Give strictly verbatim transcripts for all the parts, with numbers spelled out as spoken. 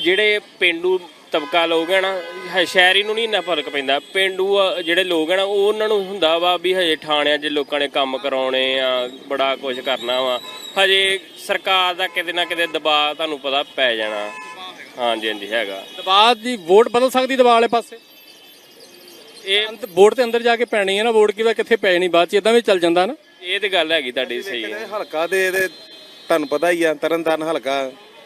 ਜਿਹੜੇ ਪਿੰਡੂ ਤਬਕਾ ਲੋਕ ਹੈ ਨਾ ਸ਼ਹਿਰੀ ਨੂੰ ਨਹੀਂ ਇੰਨਾ ਫਰਕ ਪੈਂਦਾ। ਪਿੰਡੂ ਜਿਹੜੇ ਲੋਕ ਹੈ ਨਾ ਉਹ ਉਹਨਾਂ ਨੂੰ ਹੁੰਦਾ ਵਾ ਵੀ ਹਜੇ ਥਾਣਿਆਂ 'ਚ ਲੋਕਾਂ ਨੇ ਕੰਮ ਕਰਾਉਣੇ ਆ, ਬੜਾ ਕੁਝ ਕਰਨਾ ਵਾ, ਹਜੇ ਸਰਕਾਰ ਦਾ ਕਿਤੇ ਨਾ ਕਿਤੇ ਦਬਾਅ ਤੁਹਾਨੂੰ ਪਤਾ ਪੈ ਜਾਣਾ। ਹਾਂਜੀ ਹਾਂਜੀ ਹੈਗਾ ਦਬਾਅ ਦੀ ਵੋਟ ਬਦਲ ਸਕਦੀ ਦਬਾਅ ਵਾਲੇ ਪਾਸੇ। ਇਹ ਅੰਤ ਵੋਟ ਤੇ ਅੰਦਰ ਜਾ ਕੇ ਪੈਣੀ ਹੈ ਨਾ, ਵੋਟ ਕਿਵੇਂ ਕਿੱਥੇ ਪੈ ਨਹੀਂ ਬਾਅਦ ਚ ਇਦਾਂ ਵੀ ਚੱਲ ਜਾਂਦਾ ਨਾ। ਇਹ ਤੇ ਗੱਲ ਹੈਗੀ ਤੁਹਾਡੀ ਸਹੀ ਹੈ। ਹਲਕਾ ਦੇ ਇਹਦੇ ਤੁਹਾਨੂੰ ਪਤਾ ਹੀ ਆ ਤਰਨਤਾਰਨ ਹਲਕਾ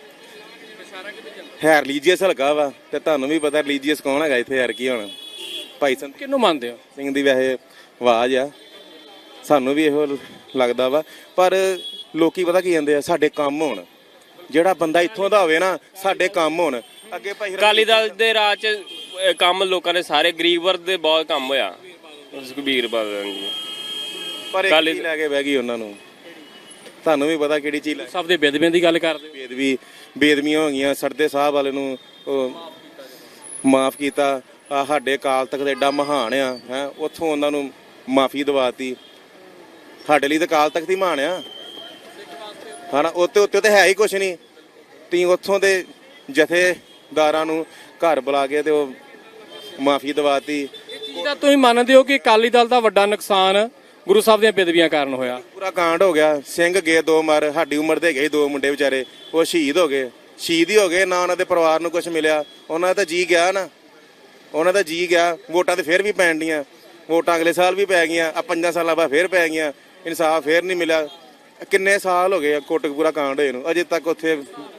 ਹੈ ਰਿਲੀਜੀਅਸ ਹਲਕਾ ਵਾ ਤੇ ਤੁਹਾਨੂੰ ਵੀ ਪਤਾ ਰਿਲੀਜੀਅਸ ਕੌਣ ਹੈਗਾ ਇੱਥੇ ਯਾਰ ਕੀ ਹੁਣ ਭਾਈ ਸੰਤ ਕਿਹਨੂੰ ਮੰਨਦੇ ਹੋ? ਸਿੰਘ ਦੀ ਵੈਸੇ ਆਵਾਜ਼ ਆ, ਸਾਨੂੰ ਵੀ ਇਹੋ ਲੱਗਦਾ ਵਾ। ਪਰ ਲੋਕੀ ਪਤਾ ਕੀ ਕਹਿੰਦੇ ਆ, ਸਾਡੇ ਕੰਮ ਹੋਣ, ਜਿਹੜਾ ਬੰਦਾ ਇੱਥੋਂ ਦਾ ਹੋਵੇ ਨਾ ਸਾਡੇ ਕੰਮ ਹੋਣ। ਅੱਗੇ ਭਾਈ ਅਕਾਲੀ ਦਲ ਦੇ ਰਾਜ 'ਚ ਕੰਮ ਲੋਕਾਂ ਦੇ ਸਾਰੇ ਗਰੀਬ ਵਰਗ ਦੇ ਬਹੁਤ ਕੰਮ ਹੋਇਆ। ਸੁਖਬੀਰ ਬਾਦਲ ਜੀ ਪਰ ਇੱਕ ਚੀਜ਼ ਲੈ ਕੇ ਬਹਿ ਗਈ ਉਹਨਾਂ ਨੂੰ, ਤੁਹਾਨੂੰ ਵੀ ਪਤਾ ਕਿਹੜੀ ਚੀਜ਼। ਸਭ ਦੇ ਬੇਦਬੀਆਂ ਦੀ ਗੱਲ ਕਰਦੇ ਹੋ। ਬੇਦਬੀ ਬੇਦਮੀਆਂ ਹੋ ਗਈਆਂ। ਸਰਦੇ ਸਾਹਿਬ ਵਾਲੇ ਨੂੰ ਮਾਫ ਕੀਤਾ। ਆ ਸਾਡੇ ਅਕਾਲ ਤਖਤ ਐਡਾ ਮਹਾਨ ਆ ਹੈ, ਉੱਥੋਂ ਉਹਨਾਂ ਨੂੰ ਮਾਫੀ ਦਵਾਤੀ। ਸਾਡੇ ਲਈ ਤਾਂ ਅਕਾਲ ਤਖਤ ਹੀ ਮਹਾਨ ਆ ਹਨਾ, ਉੱਤੇ ਉੱਤੇ ਤਾਂ ਹੈ ਹੀ ਕੁਛ ਨਹੀਂ। ਤੁਸੀਂ ਉੱਥੋਂ ਦੇ ਜਥੇਦਾਰਾਂ ਨੂੰ ਘਰ ਬੁਲਾ ਕੇ ਤੇ ਉਹ ਮਾਫੀ ਦਵਾਤੀ। ਜਿਹਦਾ ਤੁਸੀਂ ਮੰਨਦੇ ਹੋ ਕਿ ਅਕਾਲੀ ਦਲ ਦਾ ਵੱਡਾ ਨੁਕਸਾਨ ਗੁਰੂ ਸਾਹਿਬ ਦੀਆਂ ਬੇਦਬੀਆਂ ਕਾਰਨ ਹੋਇਆ। ਪੂਰਾ ਕਾਂਡ ਹੋ ਗਿਆ। ਸਿੰਘ ਗਏ ਦੋ ਮਰ, ਸਾਡੀ ਉਮਰ ਦੇ ਗਏ ਦੋ ਮੁੰਡੇ ਵਿਚਾਰੇ, ਉਹ ਸ਼ਹੀਦ ਹੋ ਗਏ। ਸ਼ਹੀਦ ਹੀ ਹੋ ਗਏ ਨਾ, ਉਹਨਾਂ ਦੇ ਪਰਿਵਾਰ ਨੂੰ ਕੁਝ ਮਿਲਿਆ। ਉਹਨਾਂ ਦਾ ਤਾਂ ਜੀ ਗਿਆ ਨਾ, ਉਹਨਾਂ ਦਾ ਜੀ ਗਿਆ। ਵੋਟਾਂ ਤੇ ਫਿਰ ਵੀ ਪੈਣ ਡੀਆਂ, ਵੋਟਾਂ ਅਗਲੇ ਸਾਲ ਵੀ ਪੈ ਗਈਆਂ, ਆ ਪੰਜਾਂ ਸਾਲਾਂ ਬਾਅਦ ਫਿਰ ਪੈ ਗਈਆਂ। ਇਨਸਾਫ ਫਿਰ ਨਹੀਂ ਮਿਲਿਆ। ਕਿੰਨੇ ਸਾਲ ਹੋ ਗਏ ਕੋਟਕਪੂਰਾ ਕਾਂਡ ਹੋਏ ਨੂੰ, ਅਜੇ ਤੱਕ ਉੱਥੇ